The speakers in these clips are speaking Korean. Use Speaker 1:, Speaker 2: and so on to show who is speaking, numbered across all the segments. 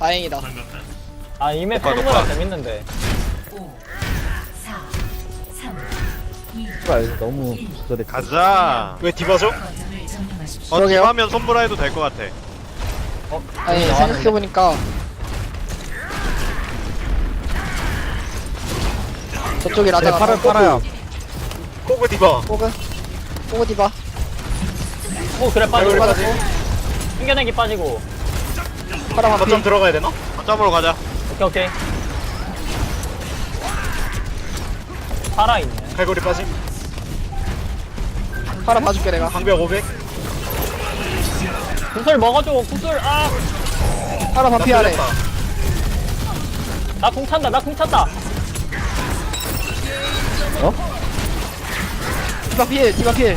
Speaker 1: 다행이다.
Speaker 2: 아 이맵
Speaker 3: 녹화,
Speaker 2: 손보다
Speaker 3: 녹화.
Speaker 2: 재밌는데.
Speaker 4: 5, 4, 3, 2,
Speaker 5: 씨발 너무 저래.
Speaker 3: 가자.
Speaker 6: 왜 디바죠?
Speaker 4: 거점을 점령하십시오.
Speaker 1: 그러게요.
Speaker 3: 팀하면 손보라 해도 될 것 같아.
Speaker 1: 아니 생각해보니까 저쪽이
Speaker 5: 네,
Speaker 1: 라자가
Speaker 5: 팔아요.
Speaker 6: 호그 디바.
Speaker 1: 호그 디바.
Speaker 2: 그래 빠지고
Speaker 6: 여기까지.
Speaker 2: 튕겨내기 빠지고.
Speaker 1: 파라 반피.
Speaker 6: 거점 들어가야 되나?
Speaker 3: 거점으로 가자.
Speaker 2: 오케이. 살아있네.
Speaker 6: 갈고리 빠짐.
Speaker 1: 파라 봐줄게 내가.
Speaker 6: 방벽 500.
Speaker 2: 구슬 먹어줘 구슬.
Speaker 1: 파라
Speaker 6: 나
Speaker 1: 반피 아래.
Speaker 6: 뚫렸다.
Speaker 2: 나 공 찬다 나 공 찬다.
Speaker 1: 디바 필 디바 필.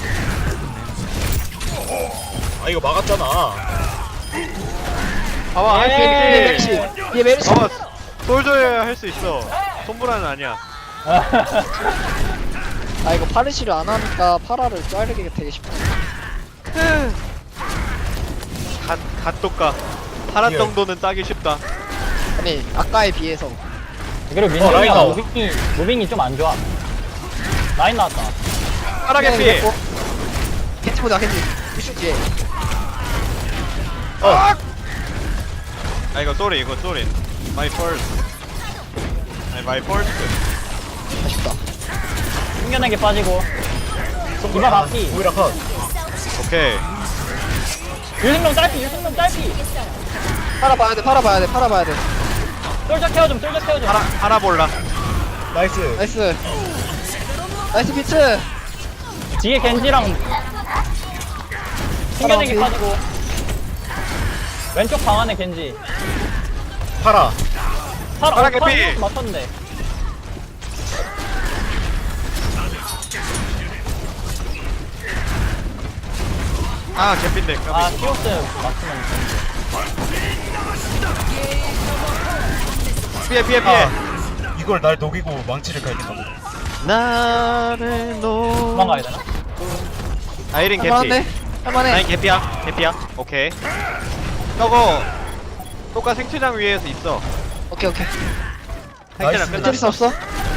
Speaker 6: 아 이거 막았잖아.
Speaker 3: 봐봐, 할 수
Speaker 1: 뒤에
Speaker 3: 있지.
Speaker 1: 메르시. 뒤에 메르시.
Speaker 3: 봐봐, 솔저야 할 수 있어. 손보라는 아니야.
Speaker 1: 아 이거 파르시를 안 하니까 파라를 자르기가 되게 쉽다.
Speaker 3: 갓독가. 파란
Speaker 6: 예.
Speaker 3: 정도는 따기 쉽다.
Speaker 1: 아니 아까에 비해서.
Speaker 2: 그리고 민정이가
Speaker 6: 라인 나와.
Speaker 2: 무빙이 좀 안 좋아. 라인 나왔다.
Speaker 3: 파라게 피.
Speaker 1: 겐지 보자 겐지. 이슈 뒤에.
Speaker 3: 아 이거 쏘리 이거 쏘리. My first. My first.
Speaker 1: 아쉽다.
Speaker 2: 튕겨내기 빠지고. 디바 바퀴.
Speaker 6: 오히려 컷.
Speaker 3: 오케이.
Speaker 2: 유승룡 짧피 유승룡 짧피.
Speaker 1: 파라 봐야 돼 파라 봐야 돼 파라 봐야 돼.
Speaker 2: 쫄져 태워줌 쫄져 태워줌.
Speaker 3: 파라 볼라.
Speaker 6: 나이스.
Speaker 1: 나이스. 나이스 비트.
Speaker 2: 뒤에 겐지랑 튕겨내기
Speaker 1: 파라
Speaker 2: 빠지고. 왼쪽 방 안에 겐지.
Speaker 6: 파라.
Speaker 3: 파라 개피.
Speaker 2: 맞췄는데.
Speaker 3: 아 개핀데.
Speaker 2: 아 키오스 맞추면
Speaker 3: 피해 피해 피해.
Speaker 6: 아, 이걸 날 녹이고 망치를 갈긴다고.
Speaker 3: 나를 놓.
Speaker 2: 도망가야 되나?
Speaker 3: 아이린 개피.
Speaker 1: 할만한데? 할만해.
Speaker 3: 아이린 개피야. 개피야. 오케이. 저거 똑같 생체장 위에서 있어.
Speaker 1: 오케이 오케이.
Speaker 3: 생체장
Speaker 6: 나이스.
Speaker 1: 멘트리스
Speaker 3: 끝났어.
Speaker 1: 없어?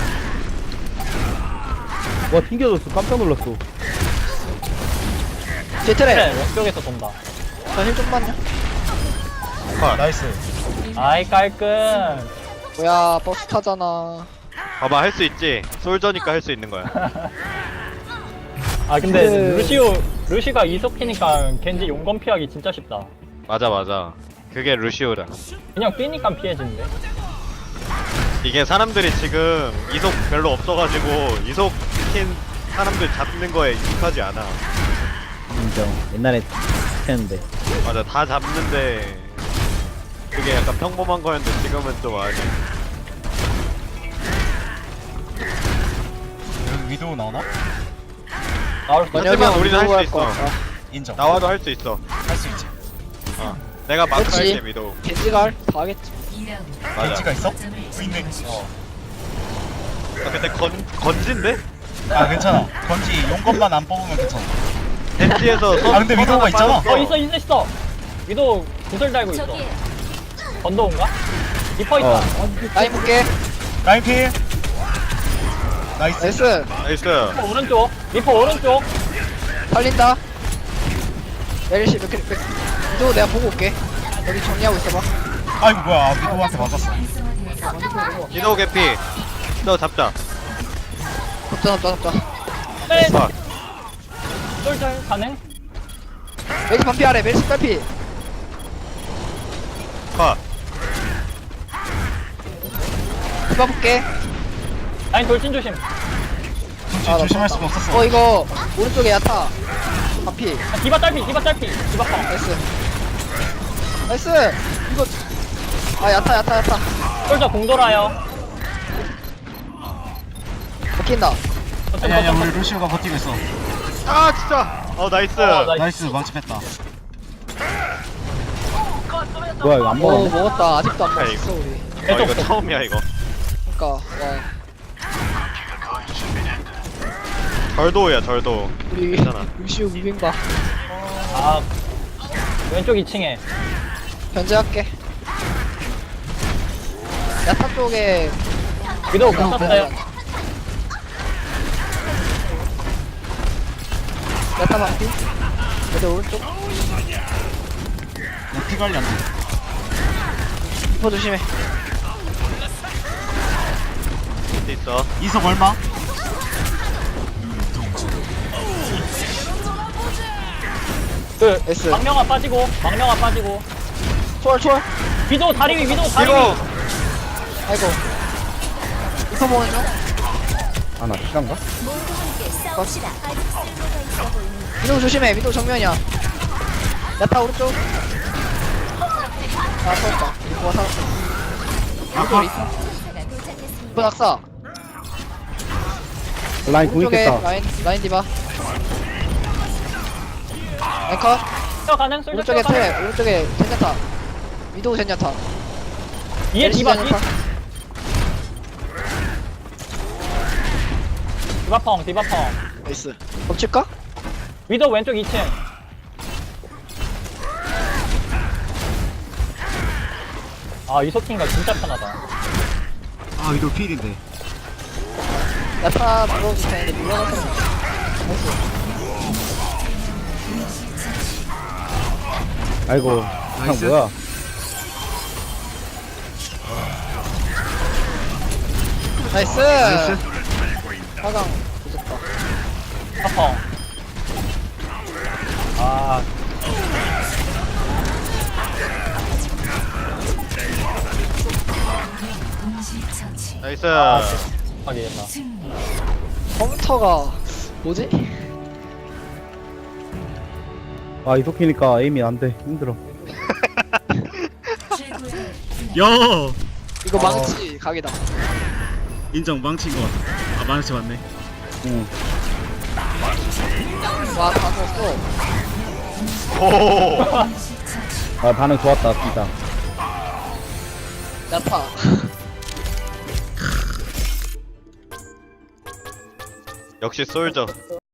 Speaker 5: 와 튕겨졌어. 깜짝 놀랐어.
Speaker 1: 제트레.
Speaker 2: 그래 왼쪽에서 돈다.
Speaker 1: 저힐 좀만요.
Speaker 6: 나이스.
Speaker 2: 아이 깔끔.
Speaker 1: 뭐야 버스 타잖아.
Speaker 3: 봐봐 할 수 있지. 솔저니까 할 수 있는 거야.
Speaker 2: 아 근데
Speaker 1: 그-
Speaker 2: 루시가 이속 피니까 겐지 용검 피하기 진짜 쉽다.
Speaker 3: 맞아 맞아. 그게 루시오다.
Speaker 2: 그냥 뛰니까 피해지는데.
Speaker 3: 이게 사람들이 지금 이속 별로 없어가지고 이속 킨 사람들 잡는 거에 익숙하지 않아.
Speaker 5: 인정. 옛날에 했는데.
Speaker 3: 맞아 다 잡는데 그게 약간 평범한 거였는데 지금은 좀 아니.
Speaker 6: 여기 위도우 나오나?
Speaker 2: 나올 수
Speaker 3: 하지만 우리는 할 수 있어.
Speaker 6: 인정.
Speaker 3: 나와도 할 수 있어.
Speaker 6: 할 수 있지.
Speaker 3: 내가 마크
Speaker 1: 그렇지.
Speaker 3: 할게 미도.
Speaker 1: 겐지가 다 하겠지.
Speaker 4: 2라운드.
Speaker 3: 맞아.
Speaker 6: 겐지가 있어?
Speaker 4: 거점을
Speaker 6: 있네.
Speaker 4: 점령하십시오.
Speaker 3: 아, 근데 건진데?
Speaker 6: 아 괜찮아. 건지 용건만 안 뽑으면 괜찮아.
Speaker 3: 덴지에서
Speaker 6: 아, 근데 미도가 있잖아.
Speaker 2: 있어. 위도 구슬 달고 있어. 건도인가? 리퍼 있다.
Speaker 1: 라인 볼게.
Speaker 6: 라인 필. 나이스.
Speaker 1: 나이스.
Speaker 3: 나이스.
Speaker 2: 리퍼 오른쪽. 리퍼 오른쪽.
Speaker 1: 살린다. 메르시 이도 내가 보고 올게. 여기 정리하고 있어봐.
Speaker 6: 아이고 뭐야. 미도한테 맞았어.
Speaker 3: 미도 개피. 너 잡자.
Speaker 1: 잡자.
Speaker 2: 네.
Speaker 3: 봐.
Speaker 2: 쫄쫄 가능?
Speaker 1: 메르시 반피 아래. 메르시 반피.
Speaker 3: 컷.
Speaker 1: 디바 볼게.
Speaker 2: 라인 돌진 조심.
Speaker 1: 나
Speaker 6: 조심할 수가 없었어.
Speaker 1: 이거 오른쪽에 야타. 반피.
Speaker 2: 아, 디바 딸피. 디바 파.
Speaker 1: 나이스. 나이스. 이거 아 야타.
Speaker 2: 쫄쫄 공 돌아요.
Speaker 1: 먹힌다.
Speaker 6: 아니야 우리 루시오가 버티고 있어.
Speaker 3: 아 진짜. 나이스.
Speaker 6: 나이스 망치 뺐다.
Speaker 5: 뭐야 이거 안
Speaker 1: 오
Speaker 5: 먹었네.
Speaker 1: 먹었다. 아직도 안
Speaker 3: 아,
Speaker 1: 먹었어 우리.
Speaker 3: 이거 처음이야 이거.
Speaker 1: 그니까 와
Speaker 3: 절도야 절도.
Speaker 1: 우리
Speaker 3: 괜찮아.
Speaker 1: 루시우 무빙봐.
Speaker 2: 아 왼쪽 2층에.
Speaker 1: 견제할게. 야타 쪽에
Speaker 2: 위도우 붙었어요.
Speaker 1: 야타 방피. 그대 오른쪽.
Speaker 6: 피 관리 안 돼.
Speaker 1: 리퍼 조심해.
Speaker 3: 밑에 있어.
Speaker 6: 이석 얼마?
Speaker 2: 그
Speaker 1: S.
Speaker 2: 망명아 빠지고
Speaker 1: 초월.
Speaker 2: 위도우 다리 위 위도우 다리 위.
Speaker 3: 이거
Speaker 1: 아이고. 리퍼 보는 중.
Speaker 5: 아, 나 시간가?
Speaker 1: 위도우 조심해. 위도우 정면이야. 야타 오른쪽. 아, 터졌다. 리퍼가 살았어.
Speaker 6: 아까
Speaker 1: 리퍼 낙사.
Speaker 5: 라인 공
Speaker 1: 오른쪽에
Speaker 5: 있겠다.
Speaker 1: 라인 디바. 앵커.
Speaker 2: 저 가능 솔저
Speaker 1: 오른쪽에
Speaker 2: 가능.
Speaker 1: 텔. 오른쪽에 젠야타. 위도우 젠야타.
Speaker 2: 뒤에 디바
Speaker 1: 젠야타.
Speaker 2: 디바펑
Speaker 1: 나이스. 덮칠까?
Speaker 2: 위도우 왼쪽 2층. 아 이소킹가 진짜 편하다.
Speaker 6: 아 위도 필인데.
Speaker 1: 야타 물어도 되는데 물러가서. 나이스.
Speaker 5: 아이고,
Speaker 6: 나이스.
Speaker 5: 뭐야.
Speaker 1: 나이스.
Speaker 6: 나이스.
Speaker 1: 화강 부졌다.
Speaker 2: 펑. 아
Speaker 4: 동시 처치.
Speaker 3: 나이스.
Speaker 2: 하게 했나.
Speaker 4: 승리.
Speaker 1: 컴퓨터가 뭐지?
Speaker 5: 아, 이속히니까 에임이 안 돼. 힘들어.
Speaker 4: 최고의
Speaker 6: 야
Speaker 1: 이거 망치 각이다.
Speaker 6: 인정 망친 거 같아. 아 망치 맞네.
Speaker 5: 응.
Speaker 1: 와, 다 썼어.
Speaker 3: 오.
Speaker 4: 동시 처치.
Speaker 5: 아, 반응 좋았다, 진짜.
Speaker 1: 야타.
Speaker 3: 역시 솔저.